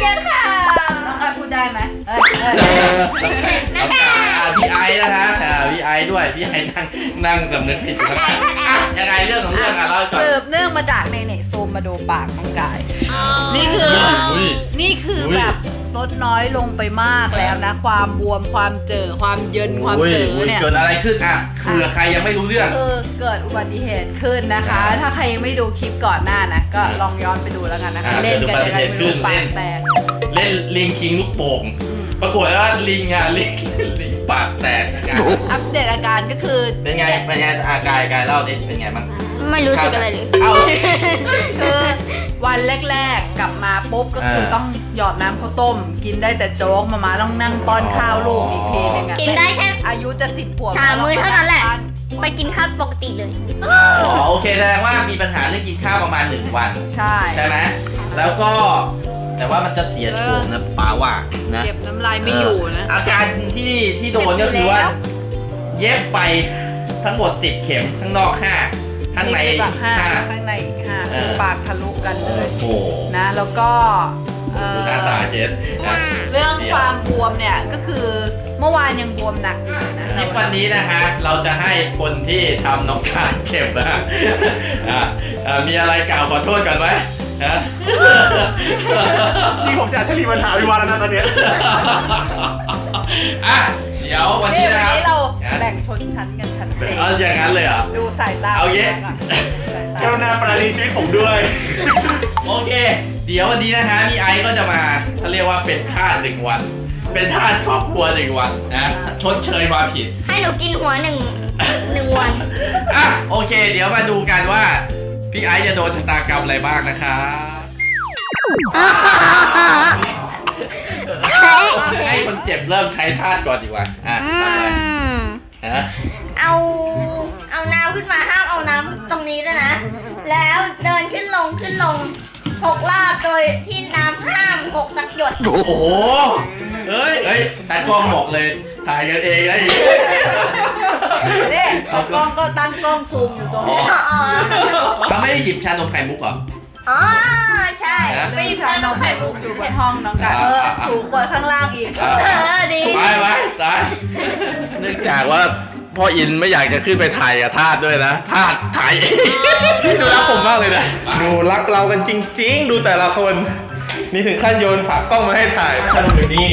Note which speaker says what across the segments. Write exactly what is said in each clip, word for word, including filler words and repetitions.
Speaker 1: ชิญค่ะ
Speaker 2: น้องการพูดได้ไหมเอ้ยเอ้ย
Speaker 3: น้องการพี่ไอนะฮะพี่ไอด้วยพี่ไอนั่งนั่งสำนึกผิดอยู่ข้างๆอ่ะยังไงเรื่องของเรื่องอ่ะเล่าให้ฟัง
Speaker 2: สืบเนื่องมาจากในเน็ตซูมมาดูปากน้องกายนี่คือนี่คือแบบลดน้อยลงไปมากแล้วนะความบวมความเจอความเยินความเจอเนี่ย
Speaker 3: เกิดอะไรขึ้นอ่ะคือใครยังไม่รู้เรื่อง
Speaker 2: คือเกิดอุบัติเหตุขึ้นนะคะ ถ้าใครยังไม่ดูคลิปก่อนหน้านะก็ลองย้อนไปดูแล้วกันนะคะเล่นกันยังไงไม่รู้ปากแตก
Speaker 3: เล่นลิงคิงลูกโป่งปรากฏว่าลิงอ่ะลิงลิงปากแตกอาการ
Speaker 2: อัปเดตอาการก็คือ
Speaker 3: เป็นไงเป็นไงอากายกายเล่าดิเป็นไงบ้าง
Speaker 1: ไม่รู้สึกอะไรเลย
Speaker 3: เอา
Speaker 2: คือวันแรกๆกลับมาปุ๊บก็คือต้องหยอดน้ำข้าวต้มกินได้แต่โจ๊กมาม่าต้องนั่งป้อนข้าวลูกอีกทีนึง
Speaker 1: กินได้แค่
Speaker 2: อายุจะสิบขวบ
Speaker 1: สามมื้อเท่านั้นแหละไปกินข้าวปกติเลย
Speaker 3: อ๋อโอเคแสดงว่ามีปัญหาเรื่องกินข้าวประมาณหนึ่งวัน
Speaker 2: ใช่
Speaker 3: ใช่ไหมแล้วก็แต่ว่ามันจะเสียโฉมนะป้าว่านะ
Speaker 2: เก็บน้ำลายไม่อยู่นะ
Speaker 3: อาการที่ที่โดนก็คือว่าเย็บไปทั้งหมดสิบเข็มข้างนอกห้าข้างใน
Speaker 2: ห้าข้างในอีกห้าคือปากทะลุกันเลยนะแล้วก็
Speaker 3: หน้าตาเจ็ด
Speaker 2: เรื่องความบวมเนี่ยก็คือเมื่อวานยังบวมหนักอยู่นะ
Speaker 3: คลิปวันนี้นะฮะเราจะให้คนที่ทำน้องการเจ็บนะมีอะไรกล่าวขอโทษกันไหม
Speaker 4: นี่ผมจะเฉลี่ยปัญหาวิวาแล้วนะตอนนี้
Speaker 3: อ่ะเดี๋ยววันนี้นะครับ
Speaker 2: วันนี้เราแบ่งชนชั้นกันชัดเจน
Speaker 3: เอาอย่างนั้นเลยเหรอ
Speaker 2: ดูสายตา
Speaker 3: เอาเยอะ
Speaker 4: เจ้าหน้าปราณีชีวิตผมด้วย
Speaker 3: โอเคเดี๋ยววันนี้นะฮะมีไอซ์ก็จะมาเขาเรียกว่าเป็นทาสหนึ่งวันเป็นทาสครอบครัวหนึ่งวันนะชดเชยความผิด
Speaker 1: ให้หนูกินหัวหนึ่งหนึ่งวัน
Speaker 3: อ่ะโอเคเดี๋ยวมาดูกันว่าพี่ไอซ์จะโดนชะตากรรมอะไรบ้างนะครับให้คนเจ็บเริ่มใช้ทาสก่อนดีกว่าอ่ะ
Speaker 1: เอาเอาน้ำขึ้นมาห้ามเอาน้ำตรงนี้ด้วยนะแล้วเดินขึ้นลงขึ้นลงหกรอบโดยที่น้ำห้ามหกสักหยด
Speaker 3: โอ้โหเฮ้ยเฮ้ยแต่กล้องบอกเลยถ่ายกันเองนะ
Speaker 2: นี่เอากล้องก็ตั้งกล้องซูมอยู่ตรงนี้
Speaker 3: เขาไม่ได้หยิบชานมไข่มุกหรอ
Speaker 1: อ๋อใช่
Speaker 2: ไปหยิบชานมไข่มุกอยู่บนห้องน้องกันเออสูงกว่าข้างล่างอีกเอ
Speaker 1: อดี
Speaker 3: ไปไปตายเนื่องจากว่าพ่ออินไม่อยากจะขึ้นไปถ่ายกับทาสด้วยนะทาสถ่ายเอง
Speaker 4: พี่ดูรักผมมากเลยนะดูรักเรากันจริงๆดูแต่ละคนนี่ถึงขั้นโยนฝากกล้องมาให้ถ่ายฉันอยู่นี่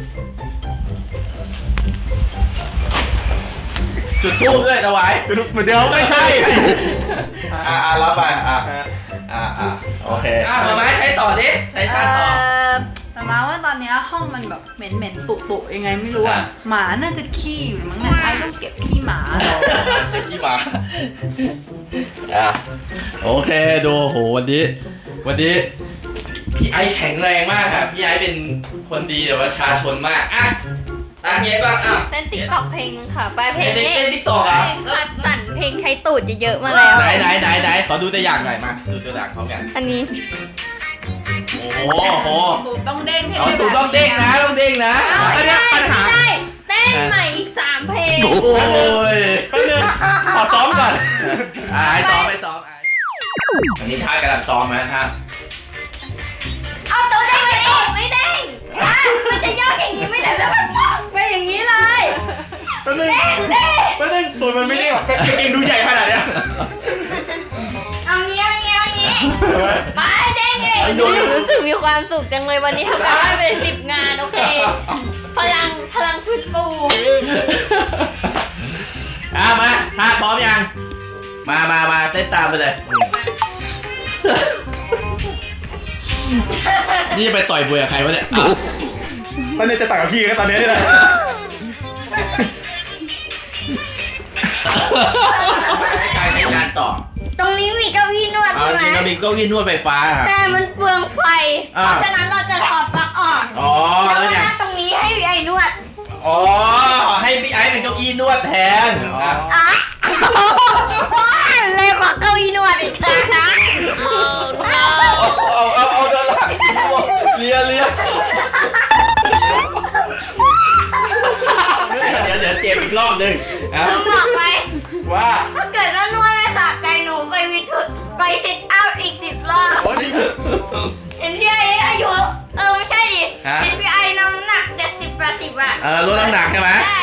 Speaker 3: จุดทูบด้วยเอาไว้
Speaker 4: จุดทูบเดี๋ยวไม่ใช่
Speaker 3: อ่าอ่ารับไปอ่าอ่าอ่าโอเคอ่ามาไม้ใช้ต่อดิใช้ชาต่อ
Speaker 2: แต่มาว่าตอนนี้ห้องมันแบบเหม็นเหม็นตุตุยังไงไม่รู้อ่ะหมาน่าจะขี้อยู่มั้งเนี่ยไอ้ต้องเก็บขี้หมา
Speaker 3: เก็บขี้หมาอ่ะโอเคดูโหวันนี้วันนี้พี่ไอแข็งแรงมากครับพี่ไอเป็นคนดีแต่ประชาชนมากอ่ะตาเงี้ยบ้างอ่ะ
Speaker 1: เต้นติ๊กต็อกเพลงนึงค่ะไปเพลงนี้
Speaker 3: เต้นติ๊กต็อกอ่ะ
Speaker 1: คัดสรรเพลงใช้ตูดเยอะๆมาแล้ว
Speaker 3: ไหนไหนไหนไหนขอดูตัวอย่างหน่อยมาดูตัวอย่างพร้อมกัน
Speaker 1: อันนี้
Speaker 3: โอ้โห
Speaker 2: ตูดต้องเด้งให้
Speaker 3: ได้ตูดต้องเด้งนะต้องเด้งนะ
Speaker 1: อันนี้ปัญหาได้เต้นใหม่อีกสามเพลง
Speaker 3: โอ้ย
Speaker 4: ก็เดินขอซ้อมก่อน
Speaker 3: ไอ้ซ้อมไปซ้อมไอ้อันนี้ท่ากำลังซ้อมไหมท่า
Speaker 1: เอาตัวเด้งไม่เด้งไม่เด้งมันจะย่ออย่างนี้ไม่ได้แล้วมันไปอย่างนี้เลยเด้งเด้ง
Speaker 4: ก็เด้งตัวมันไม่ได้หรอกเองดูใหญ่ขนาดเนี้ย
Speaker 1: เอาเงี้ยเงี้ยเงี้ยไปเด้งเองดูรู้สึกมีความสุขจังเลยวันนี้ทำการบ้านไปสิบงานโอเคพลังพลังฟื้นฟู
Speaker 3: อ่ะมาท่าพร้อมยังมามามาเต้นตามไปเลยนี่ไปต่อยบุยกับใครวะเนี่ย
Speaker 4: ตอนนี้จะต่างกับพี่ก็ตอนนี้นี่แหละ
Speaker 3: การใช้งานต่อ
Speaker 1: ตรงนี้มีเก้าอี้นวดใช่ไหม
Speaker 3: มีเก้าอี้นวดไฟฟ้าครับ
Speaker 1: แต่มันเปลืองไฟเพราะฉะนั้นเราจะถอดปลั๊กออกแล้วก็นั่งตรงนี้ให้พี่ไอ้นวด
Speaker 3: อ๋อให้พี่ไอ้เป็นเก้าอี้นวดแทน
Speaker 1: อ๋อว้าเลยกว่าเก้าอี้นวดอีกนะ
Speaker 3: เอาเอาเอาเดินหลังเลียเลียเดี๋ยวเดี๋ยวเจ็บอีกรอบนึง
Speaker 1: ลืมบอกไป
Speaker 4: ว่า
Speaker 1: ถ้าเกิดว่านวดไม่สะใจหนูไปวิดไปซิทอัพอีกสิบรอบเห็นพี่ไอ้อายุเออไม่ใช่ดิ
Speaker 3: เออลดน้ำหนักใช่ไหม
Speaker 1: ได้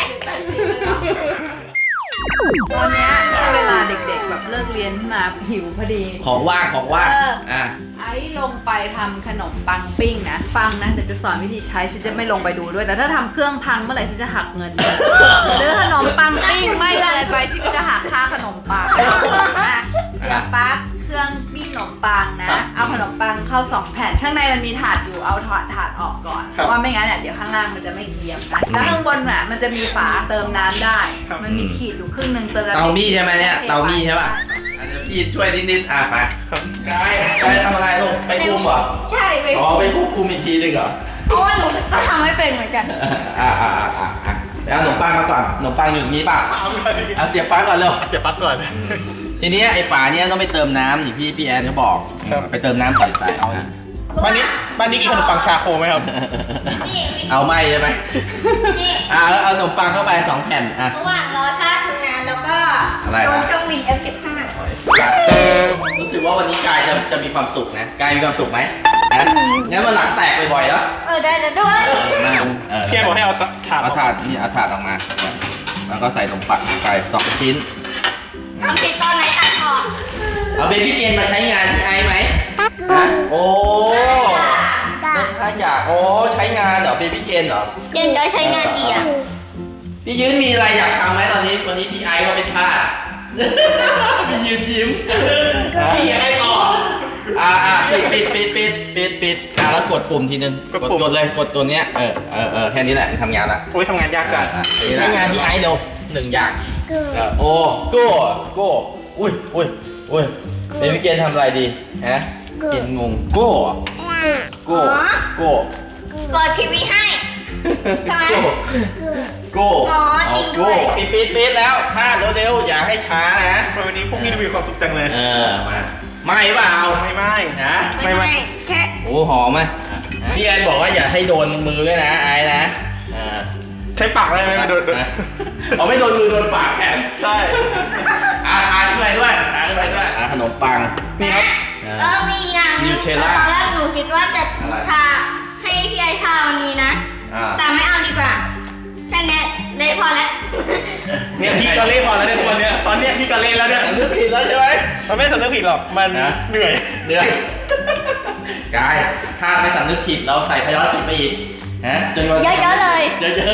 Speaker 2: ตอนเนี้ยเวลาเด็กๆแบบเลิกเรียนขึ้นมาหิวพอดี
Speaker 3: ของว่างของว่าง
Speaker 2: เออ
Speaker 3: อ่ะ
Speaker 2: ไอ้ลงไปทำขนมปังปิ้งนะฟังนะเดี๋ยวจะสอนวิธีใช้ฉันจะไม่ลงไปดูด้วยแต่ถ้าทำเครื่องพังเมื่อไหร่ฉันจะหักเงินหรือขนมปังปิ้งไม่อะไรไปฉันก็จะหักค่าขนมปังนะเสียบปลั๊กเครื่องปิ้งขนมปังนะ เอาขนมปังเข้าสองแผ่นข้างในมันมีถาดอยู่เอาถาดถาดออกก่อนเพราะว่าไม่งั้นเนี่ยเดี๋ยวข้างล่างมันจะไม่เกรียมนะแล้วข้างบนอ่ะมันจะมีฝาเติมน้ำได้ มันมีขีดอยู่ครึ่งหนึงเติมน้ำ
Speaker 3: เตามี่ใช่ไหมเนี่ยเตามี่ใช่ป่ะอันนี้พี่ช่วยนิดๆอ่ะไปกายกายทำอะไรลูกไปคุมเหรอ
Speaker 1: ใช่ไป
Speaker 3: อ๋อไปควบคุมอีกทีหนึงเหรอ
Speaker 1: เพราะว่าหนูก็ทำไม่เป็นเหมือนกัน
Speaker 3: อ่าอ่าอ่าอ่าอ่ะไปเอาขนมปังมาก่อนขนมปังอยู่อย่างนี้ป่ะเอาเสียบปลั๊กก่อนเร็ว
Speaker 4: เสียบปลั๊กก่อน
Speaker 3: ทีนี้ไอ้ฝาเนี้ยต้องไปเติมน้ำอย่างที่พี่แอนเขาบอก
Speaker 4: ครับ
Speaker 3: ไปเติมน้ำใส่ใส่เอาอ่ะ
Speaker 4: บ้านนี้บ้านนี้กินขนมปังชาโคไหมครับ
Speaker 1: นี่
Speaker 3: เอาไหมใช่ไหม
Speaker 1: นี่
Speaker 3: อ่าแล้วเอาขนมปังเข้าไปสองแผ่นอ่ะ
Speaker 1: ระหว่างรอท่าทำงานแล้วก็
Speaker 3: อะไร
Speaker 1: โด
Speaker 3: นะ
Speaker 1: นเครื่องบิน เอฟ สิบห้า
Speaker 3: รู้สึกว่าวันนี้กายจะจะมีความสุขนะกายมีความสุขไหมนะงั้นมันหลังแตกบ่อยๆแล้ว
Speaker 1: เออได้จะด้วย
Speaker 3: เออมาเออ
Speaker 4: พี่แอนบอกให้เอาถาด
Speaker 3: เอาถาดนี่เอาถาดออกมา แล้วก็ใส่ขนมปังไปสองชิ้น
Speaker 1: ทำผิดตอนไหนตัดออก
Speaker 3: เอาเบบี้เกนมาใช้งานพี่ไอไหมนะโอ้ถ้าอยากโอ้ใช้งานเหรอเบบี้เกนเหรอ
Speaker 1: เจนจะใช้งานกี่อ่ะ
Speaker 3: พี่ยืนมีอะไรอยากทำไหมตอนนี้วันนี้พี่ไอเขาเป็นทาส พี่ยืนยิ้ม
Speaker 4: พี่ไอต่อ
Speaker 3: อ่าอ่าปิดปิดปิดปิดปิดปิดอ่าแล้วกดปุ่มทีนึง
Speaker 4: กดปุ่ม
Speaker 3: กดเลยกดตัวเนี้ยเออเออเออแค่นี้แหละทำงานละ
Speaker 4: โอ้ยทำงานยากจั
Speaker 3: อ่าง อ่าใช้งานพี่ไอเร็วหนึ่งอย่างเออโอ้โก้โก้อุ้ยอุ้ยอุ้ยเบบี้เกนทำอะไรดีฮะเกนงงโก้โก้โก้
Speaker 1: เปิดทีวีให้ ใช่ไหม
Speaker 3: โก้
Speaker 1: อ๋อจริงด้วย
Speaker 3: โก้ปิดปิดปิดแล้วท่าเร็วๆอย่าให้ช้านะ
Speaker 4: วันนี้พวกนี้มีความสุขจังเลย
Speaker 3: เออมาไม่เปล่า
Speaker 4: ไม่ไม่
Speaker 3: นะ
Speaker 1: ไม่ไม่แค่
Speaker 3: โอ้หอมไหมพี่แอนบอกว่าอย่าให้โดนมือด้วยนะไอ้นะอ่า
Speaker 4: ใช้ปากได้ไหมไม่โดน
Speaker 3: นะเอาไม่โดนมือโดนปากแขน
Speaker 4: ใช่
Speaker 3: อ่าทานขึ้นไปด้วยทานขึ้นไปด้วยอ่าขนมปัง
Speaker 4: นี่ครับ
Speaker 1: เออมีอย่างหนึง
Speaker 3: Nutella
Speaker 1: ตอนแรกหนูคิดว่าจะ
Speaker 3: อะไร
Speaker 1: ทาให้พี่ไอทาวันนี้นะ
Speaker 3: อ่า
Speaker 1: แต่ไม่เอาดีกว่าแค่นี้เลยพอแล้ว
Speaker 4: เนี่ยพี่ก็เล่นพอแล้วเนี่ยทุกวันเนี้ยตอนเนี้ยพี่ก็เล่นแล้วเนี่ย
Speaker 3: สำนึกผิดแล้วใช่ไหม
Speaker 4: มันไม่สำนึกผิดหรอกมัน
Speaker 3: นะ
Speaker 4: เหนื่อย
Speaker 3: เดือดกายถ้าไม่สำนึกผิดเราใส่พยอจิตไปอีกฮะจนวัน
Speaker 1: เยอะๆเลย
Speaker 3: เยอะ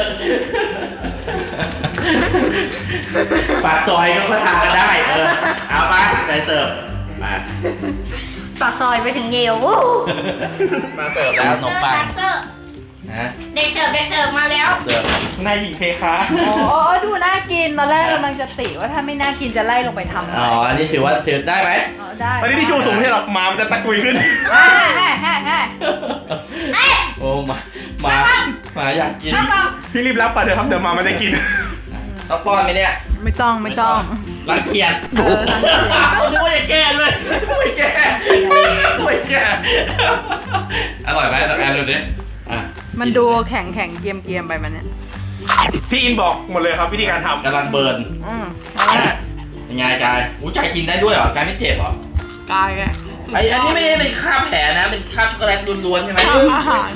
Speaker 3: ๆปากซอยก็เขาทำกันได้เออเอาไปไปเสิร์ฟมา
Speaker 1: ปากซอยไปถึงเยลวู้
Speaker 3: มาเสิร์ฟแล้วขนมปัง
Speaker 1: เซอร์
Speaker 3: นะ
Speaker 1: เด็กเสิร์ฟเด็กเสิร์ฟมาแล้ว
Speaker 3: เสิร์ฟ
Speaker 4: นายหญิงเพคะ
Speaker 2: โอ้ดูน่ากินตอนแรกกำลังจะติว่าถ้าไม่น่ากินจะไล่ลงไปทำ
Speaker 3: อ๋ออันนี้ถือว่าถือได้ไหม
Speaker 2: อ๋อได้
Speaker 4: ตอนนี้ที่ชูสูงไม่ใช่หรอกหมามันจะตะกุยขึ้น
Speaker 2: แฮ่แฮ่แฮ่แฮ่
Speaker 1: เอ้ย
Speaker 3: โอ้มามามาอยากกิน
Speaker 1: เอากล่อง
Speaker 4: พี่รีบรับไปเถอะครับเดี๋ยวหมามันจะกิน
Speaker 3: ต้องป้อนไหมเนี่ย
Speaker 2: ไม่ต้องไม่ต้อง
Speaker 3: รังเกียจ
Speaker 2: เออรังเกียจ
Speaker 3: นึกว่าจะแก้เลยไม่แก้ไม่แก้อร่อยไหมแอนดูดิอ่ะ
Speaker 2: มันดูแข็งแข็งเกรียมเกรียมไปมันเนี่ย
Speaker 4: พี่อินบอกหมดเลยครับวิธีการท
Speaker 3: กำลังเบิร์น
Speaker 2: อืม
Speaker 3: ยังไงกายอู้ใจกินได้ด้วยเหรอกายไม่เจ็บเหรอก
Speaker 2: ายแก
Speaker 3: ไออันนี้ไม่ได้เป็นคราบแผลนะ เป็นคราบช็อกโกแลตล้วนๆใช่ไหม
Speaker 2: ชอบอาหาร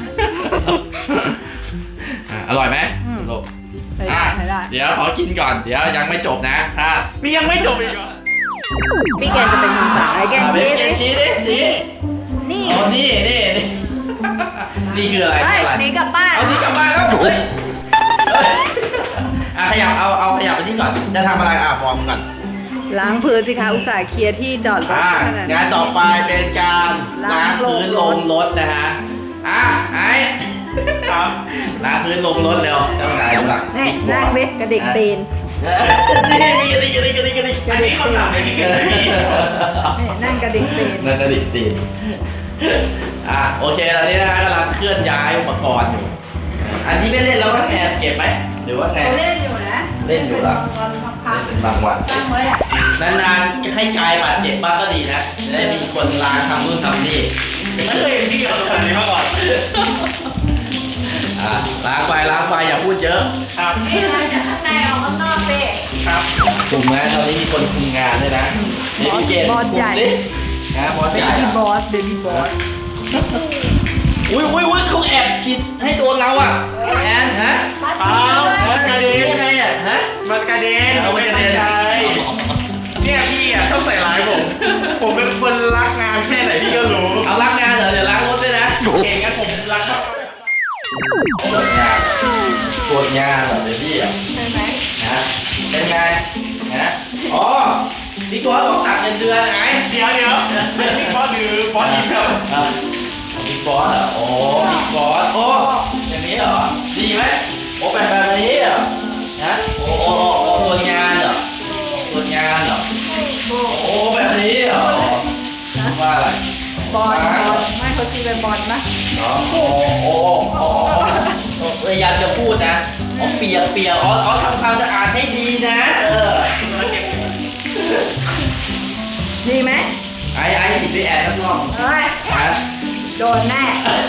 Speaker 3: อ่ะอร่อยไหม
Speaker 2: อืม
Speaker 3: ลูก
Speaker 2: ใช้
Speaker 3: อ่ะ
Speaker 2: ได้ใช้ได้
Speaker 3: เดี๋ยวขอกินก่อน เดี๋ยวยังไม่จบนะถ้า
Speaker 4: ำนี่ยังไม่จบอีกเหรอ
Speaker 2: พี่แกนจะเป็นคนสั่งไอ้แกนชี้
Speaker 3: เกนชี้ดิชี้
Speaker 2: นี่
Speaker 3: อ๋อนี่นี่นี่ นี่คืออะไร
Speaker 2: เฮ้ย
Speaker 3: คืออะไร
Speaker 2: หนี่กลับบ้าน
Speaker 3: เอานี่กลับบ้านแล้วเฮ้ยเฮ้ยอ่ะขยับเอาเอาขยับไปนี่ก่อน จะทำอะไรอ่ะบอกมึงก่อน
Speaker 2: ล้างพื้นสิคะอุตส่าห์เคลียร์ที่จอดรถ
Speaker 3: อ่ะ
Speaker 2: ขนาด
Speaker 3: งานต่อไปเป็นการล้างพื้นลงรถนะฮะ อ่ะไอ้
Speaker 4: ครับ
Speaker 3: ล้างพื้นลงรถเร็วเจ้านายสั่ง
Speaker 2: นี่นั่งดิกระดิกตีน
Speaker 3: นี่มีกระดิกกระดิกกระดิกกระดิก
Speaker 4: อันนี้เขาทำในที่เกิดไม่มี
Speaker 2: นี่นั่งกระดิกตีน
Speaker 3: นั่นกระดิกตีนอ่ะโอเคตอนนี้นะกำลังเคลื่อนย้ายอุปกรณ์อยู่ อันนี้ไม่เล่นแล้วก็แอนเก็บไหมหรือว่าไง
Speaker 2: เขาเล่นอยู่นะ
Speaker 3: เล่นอยู่เหรอ
Speaker 2: ตอนพัก
Speaker 3: เป็นบางวัน
Speaker 2: ๆตั้งไว้อะ
Speaker 3: นานๆให้กายบาดเจ็บบ้างก็ดีนะจะได้มีคนล้างทำนู่นทำนี่
Speaker 4: ไม่เคยเห็นพี่เขาทำแบบนี้มาก่อน
Speaker 3: อ่ะล้างไปล้างไปอย่าพูดเยอะ
Speaker 4: ครับ
Speaker 2: นี่มาจากข้างในออกข้างนอกสิ
Speaker 4: ครับ
Speaker 3: กลุ่มงานตอนนี้มีคนคุมงานด้วยนะเดวิเกต
Speaker 2: บอสใหญ่
Speaker 3: กลุ่มดินะบอส
Speaker 2: เบ
Speaker 3: ใหญ่
Speaker 2: บี้บอสเบบี้บอส
Speaker 3: อุ้ยอุ้ยอุ้ยเขาแอบฉีดให้โดนเราอ่ะแอนฮะ
Speaker 4: เปล่ามันกระเด็น
Speaker 3: ยังไงอ่ะฮะ
Speaker 4: มันกระเด็น
Speaker 3: เอาไปกระเด็น
Speaker 4: ใจเนี่ยพี่อ่ะชอบใส่ร้ายผม ผมเป็นคนรักงานแค่ไหนพี่ก็รู้
Speaker 3: เอาล้างงานเหรอเดี๋ยวล้างรถด้วยนะ
Speaker 4: เก่งงั้นผมรักมาก
Speaker 3: ตรวจงานตรวจงานเหรอเดี๋ยวพี่อ่ะ
Speaker 2: ใช่ไหม
Speaker 3: ฮะเป็นไงฮะอ๋อพี่ก๊อตบอกตัดเงินเดือนไง
Speaker 4: เดี๋ยวเดี๋ยวเป็นพี่บอสหรือบอสอีกครับ
Speaker 3: อ่ะบิ๊กบอสเหรอโอ้บิ๊กบอสโอ้อย่างนี้เหรอดีไหมโอ้แบบแบบนี้เหรอฮะโอ้โอ้โอ้ตรวจงานเหรอตรวจงานเหรอโอ้แบบนี้เหรอว่าอะไร
Speaker 2: บอลบอลไม่เขาตีเป็นบอลนะ
Speaker 3: เนาะโอ้โอ้โอ้โอ้พยายามจะพูดนะอ๋อเปียกเปียกอ๋ออ๋อทำความสะอาดให้ดีนะเออ
Speaker 2: ดีไหม
Speaker 3: ไอ้ไอ้หยิบไปแอนข้างนอก
Speaker 2: เฮ้ย
Speaker 3: ฮะ
Speaker 2: โดนแน่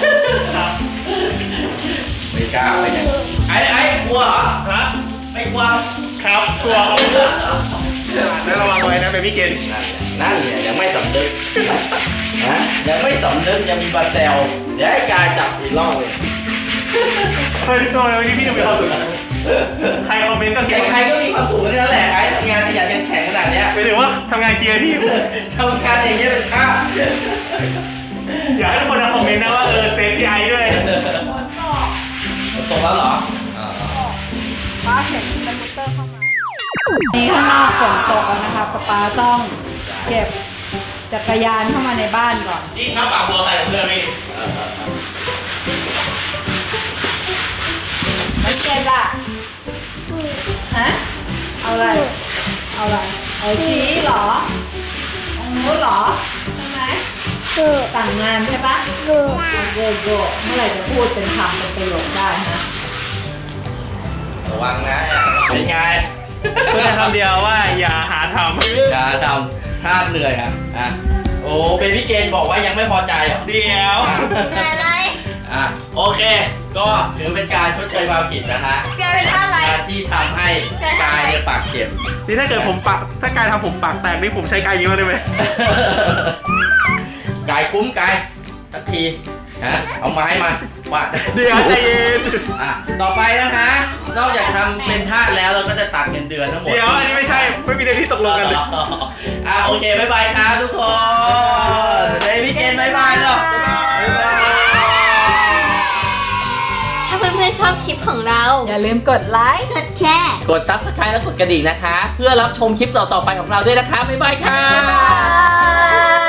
Speaker 3: ไม่กล้าไปไหนไอ้ไอ้กลัวเหรอ
Speaker 4: ฮะ
Speaker 3: ไม่กลัว
Speaker 4: ครับกลัวครับแล้วระวังไว้นะเบบี้เกน
Speaker 3: นั่นเนี่ยยังไม่สำนึกนะยังไม่สำนึกยังมีบาเซลเดี๋ยวให้กายจับอีกรอบเลย
Speaker 4: เฮ้ยทำไมวันนี้พี่ดูมีความสุขใครคอมเมนต์ก็คิดว่า
Speaker 3: ใครๆก็มีความสุขกันนั่นแหละไอ้ทำงานขยันขันแข็งขนาดเนี้ย
Speaker 4: ไปถึงว่าทำงานเคลียร์ที่
Speaker 3: ทำงานอย่างเงี้ยเป็นข้าว
Speaker 4: อยากให้ทุกคนมาคอมเมนต์นะว่าเออเซฟพี่ไอด้วย
Speaker 3: ตกแล้วเหรออ่า
Speaker 2: ป้าเห็นคอมพิวเตอร์เข้ามานี่ข้างนอกฝนตกแล้วนะคะป้าป้าต้องเก็บจักรยานเข้ามาในบ้านก่อน
Speaker 4: นี่ครับปากบัวใส่ผมเลยพี่
Speaker 2: ไม่เก็บล่ะฮะเอาอะไรเอาอะไรเอาชี้เหรอตรงนู้นเหรอใช่ไหมต่างงานใช่ปะโกโกโกเมื่อไหร่จะพูดเป็นคำเป็นประโยคได้ฮะ
Speaker 3: ระวังนะเป็นไง
Speaker 4: พูดแต่คำเดียวว่าอย่าหาท
Speaker 3: อย่าทำท่าเหนื่อยอ่ะอ่ะโอ้เบบี้เกนบอกว่ายังไม่พอใจเหรอ
Speaker 4: ำเดี๋ยว
Speaker 1: เหนื่อยอะไร
Speaker 3: อ่ะโอเค ก็ถือเป็นการชดเชยความผิดนะฮะ
Speaker 1: เกิดเป็นอะไร
Speaker 3: การที่ทำให้กายเนี่ยปากเจ็บ
Speaker 4: นี่ถ้าเกิดผมปากถ้ากายทำผมปากแตกนี่ผมใช้กายยิงมาได้ไหม
Speaker 3: กายคุ้มกายสักทีฮะเอาไม้มาว่า
Speaker 4: เดี๋ยวใจเย็น
Speaker 3: อ่ะต่อไปนะคะ นอกจากทำเป็นทาสแล้วเราก็จะตัดเงินเดือนทั้งหมด
Speaker 4: เดี๋ยวอันนี้ไม่ใช่ไม่มีในที่ตกลงกันเลย
Speaker 3: อ่ะโอเคบายบายครับทุกคนเบบี้เกนบายบายแล้วบ๊ายบาย
Speaker 1: ถ้าเพื่อนๆชอบคลิปของเรา
Speaker 2: อย่าลืมกดไลค์
Speaker 1: กดแชร์
Speaker 3: กด ซับสไครบ์ และกดกระดิ่งนะคะ เพื่อรับชมคลิปต่อๆไปของเราด้วยนะคะบ๊ายบายค่ะ
Speaker 1: บ๊ายบาย